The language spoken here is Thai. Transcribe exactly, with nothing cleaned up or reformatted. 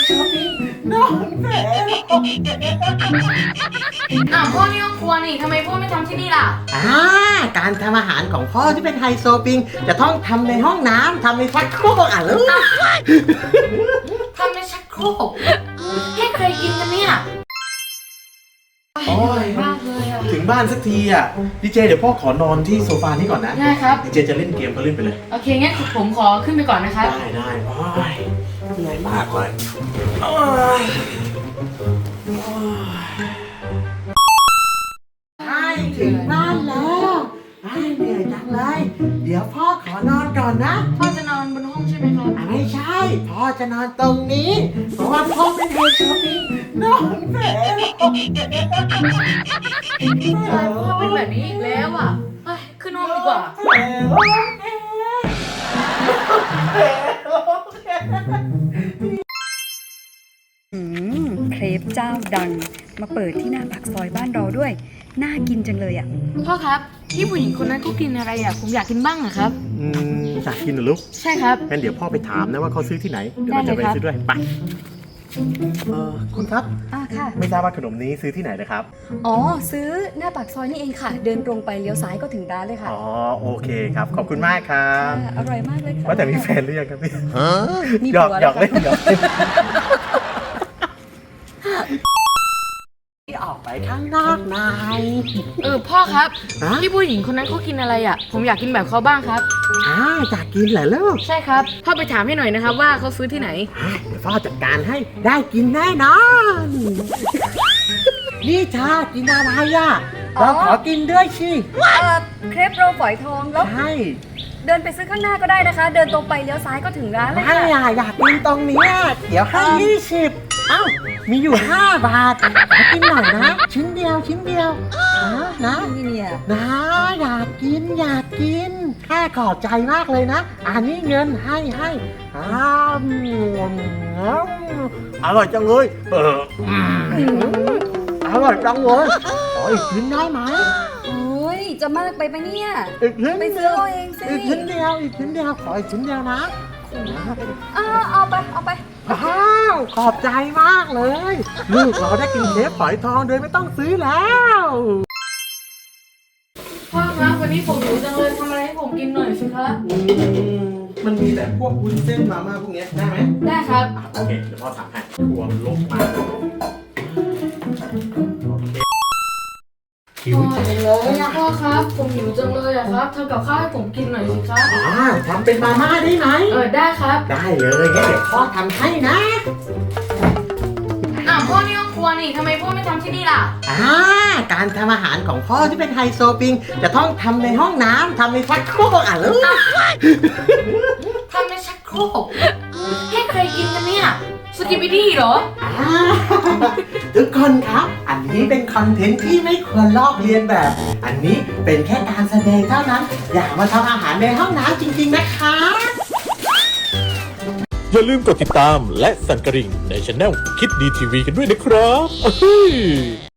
ช้อปปิ้งนอนแผลอ้าวพ่อนี่ห้องครัวนี่ทำไมพ่อไม่ทำที่นี่ล่ะอ่าการทำอาหารของพ่อที่เป็นไฮโซปิงจะต้องทำในห้องน้ำทำในชักโครกอ่ะลูกทำในชักโครกให้ใครกินกันเนี่ยโอ้ยมากเลยอะถึงบ้านสักทีอ่ะดีเจเดี๋ยวพ่อขอนอนที่โซฟานี้ก่อนนะได้ครับดีเจจะเล่นเกมก็เล่นไปเลยโอเคงั้นผมขอขึ้นไปก่อนนะครับได้ได้โอ้ยเหนื่อยมากเลยโอ้ยใช่ถึงบ้านแล้วไอ้เหนื่อยจังเลยเดี๋ยวพ่อขอนอนก่อนนะพ่อจะนอนบนห้องใช่ไหมครับไม่ใช่พ่อจะนอนตรงนี้เพราะว่าพ่อเป็นไฮโซปิงนอนแผลพ่อเป็นแบบนี้อีกแล้วอ่ะขึ้นห้องดีกว่าอืมเครปเจ้าดังมาเปิดที่หน้าปากซอยบ้านเราด้วยน่ากินจังเลยอ่ะพ่อครับที่ผู้หญิงคนนั้นเขากินอะไรอ่ะผมอยากกินบ้างอะครับอืมอยากกินเหรอลูกใช่ครับงั้นเดี๋ยวพ่อไปถามนะว่าเขาซื้อที่ไหนเดี๋ยวเราจะไปซื้อด้วยไปเออคุณครับอ่าค่ะไม่ทราบว่าขนมนี้ซื้อที่ไหนนะครับอ๋อซื้อหน้าปากซอยนี่เองค่ะเดินตรงไปเลี้ยวซ้ายก็ถึงร้านเลยค่ะอ๋อโอเคครับขอบคุณมากครับอร่อยมากเลยค่ะว่าแต่มีแฟนหรือยังครับพี่มีหยอกหยอกเล่นหยอกเล่นออกไปข้างนอกหน่อยเออพ่อครับที่ผู้หญิงคนนั้นเขากินอะไรอ่ะผมอยากกินแบบเขาบ้างครับอ่าอยากกินเหรอลูกใช่ครับพ่อไปถามให้หน่อยนะครับว่าเขาซื้อที่ไหนเดี๋ยวพ่อจัดการให้ได้กินแน่นอนนี่ชากินอะไรอ่ะเราขอกินด้วยสิเออเครปโรลฝอยทองแล้วใช่เดินไปซื้อข้างหน้าก็ได้นะคะเดินตรงไปเลี้ยวซ้ายก็ถึงร้านเลยค่ะไม่อยากกินตรงนี้เดี๋ยวให้ยี่สิบเอ้ามีอยู่ห้าบาทมากินหน่อยนะชิ้นเดียวชิ้นเดียวนะนะเนี่ยนะอยากกินอยากกินแค่ขอบใจมากเลยนะอันนี้เงินให้ให้อ้าวอร่อยจังเลยเอออร่อยจังเลยขออีกชิ้นได้ไหมโอ้ยจะมากไปปะเนี่ยอีกชิ้นไปซื้อเอาเองสิอีกชิ้นเดียวอีกชิ้นเดียวขออีกชิ้นเดียวนะอ้าวเอาไปเอาไปอ้าวขอบใจมากเลยลูกเราได้กินเครปฝอยทองโดยไม่ต้องซื้อแล้วพ่อครับวันนี้ผมหิวจังเลยทำอะไรให้ผมกินหน่อยสิครับมันมีแต่พวกวุ้นเส้นมาม่าพวกนี้ได้ไหมได้ครับโอเคเดี๋ยวพ่อทำให้ครัวมันรกมากหิวจังเลยอะพ่อครับผมหิวจังเลยอะครับทำกับข้าวให้ผมกินหน่อยสิครับอ๋อทำเป็นมาม่าได้ไหมเออได้ครับได้เลยงั้นเดี๋ยวพ่อทำให้นะอ้าวพ่อนี่ห้องครัวนี่ทำไมพ่อไม่ทำที่นี่ล่ะอ่าการทำอาหารของพ่อที่เป็นไฮโซปิงจะต้องทำในห้องน้ำทำในชักโครกอ่ะลูกทำในชักโครกให้ใครกินกันเนี่ยสกิปปี้ดี้เหรอทุกคนครับอันนี้เป็นคอนเทนต์ที่ไม่ควรลอกเลียนแบบ อันนี้เป็นแค่การแสดงเท่านั้นอย่ามาทำอาหารในห้องน้ำจริงๆนะคะอย่าลืมกดติดตามและสั่นกระดิ่งในช่องคิดดีทีวีกันด้วยนะครับ